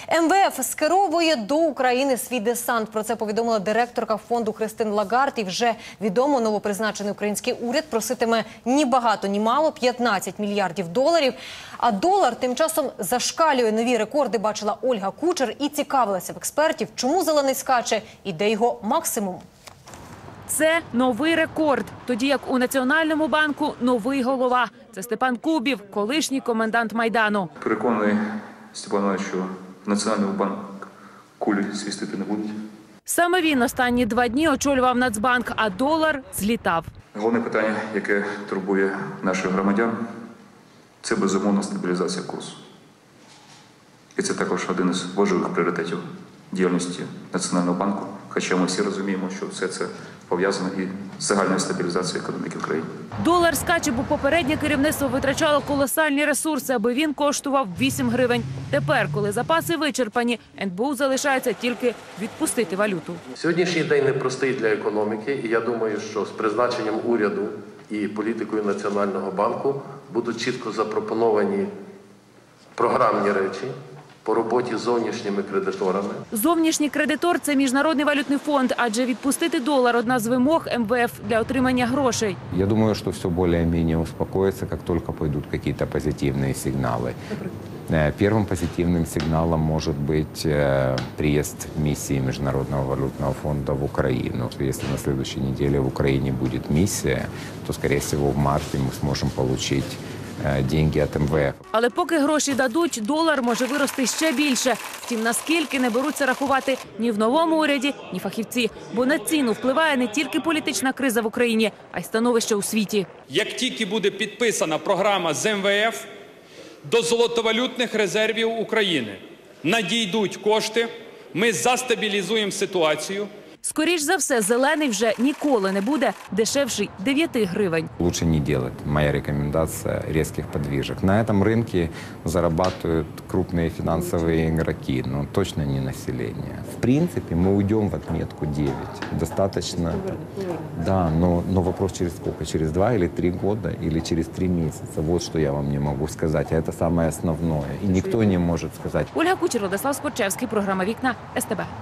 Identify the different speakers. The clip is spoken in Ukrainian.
Speaker 1: МВФ скеровує до України свій десант. Про це повідомила директорка фонду Христин Лагард. І вже відомо, новопризначений український уряд проситиме ні багато, ні мало – 15 мільярдів доларів. А долар тим часом зашкалює. Нові рекорди бачила Ольга Кучер і цікавилася в експертів, чому зелений скаче і де його максимум.
Speaker 2: Це новий рекорд. Тоді як у Національному банку новий голова. Це Степан Кубів, колишній комендант Майдану.
Speaker 3: Переконаний, Степан, що Національний банк кулі свістити не будуть.
Speaker 2: Саме він останні 2 дні очолював Нацбанк, а долар злітав.
Speaker 3: Головне питання, яке турбує наших громадян, це безумовна стабілізація курсу. І це також один із важливих пріоритетів діяльності Національного банку. Хоча ми всі розуміємо, що все це пов'язано і з загальною стабілізацією економіки в країні.
Speaker 2: Долар скаче, бо попереднє керівництво витрачало колосальні ресурси, аби він коштував 8 гривень. Тепер, коли запаси вичерпані, НБУ залишається тільки відпустити валюту.
Speaker 4: Сьогоднішній день непростий для економіки, і я думаю, що з призначенням уряду і політикою Національного банку будуть чітко запропоновані програмні речі по роботі з зовнішніми кредиторами.
Speaker 2: Зовнішній кредитор – це Міжнародний валютний фонд, адже відпустити долар – одна з вимог МВФ для отримання грошей.
Speaker 5: Я думаю, что все более-менее успокоится, как только пойдут какие-то позитивные сигналы. Первым позитивным сигналом может быть приезд миссии Международного валютного фонда в Украину. Если на следующей неделе в Украине будет миссия, то, скорее всего, в марте мы сможем получить деньги від МВФ.
Speaker 2: Але поки гроші дадуть, долар може вирости ще більше. Втім, наскільки не беруться рахувати ні в новому уряді, ні фахівці. Бо на ціну впливає не тільки політична криза в Україні, а й становище у світі.
Speaker 6: Як тільки буде підписана програма з МВФ, до золотовалютних резервів України надійдуть кошти, ми застабілізуємо ситуацію.
Speaker 2: Скоріш за все, зелений вже ніколи не буде дешевший 9 гривень.
Speaker 5: Лучше не делать. Моя рекомендация – резких подвижек. На этом рынке зарабатывают крупные финансовые игроки, но точно не население. В принципе, мы уйдем в отметку 9. Достаточно, да, но вопрос через сколько? Через 2 или 3 года или через 3 месяца? Вот что я вам не могу сказать, а это самое основное. И никто не может сказать.
Speaker 2: Ольга Кучер, Владислав Скорчевський, програма «Вікна», СТБ.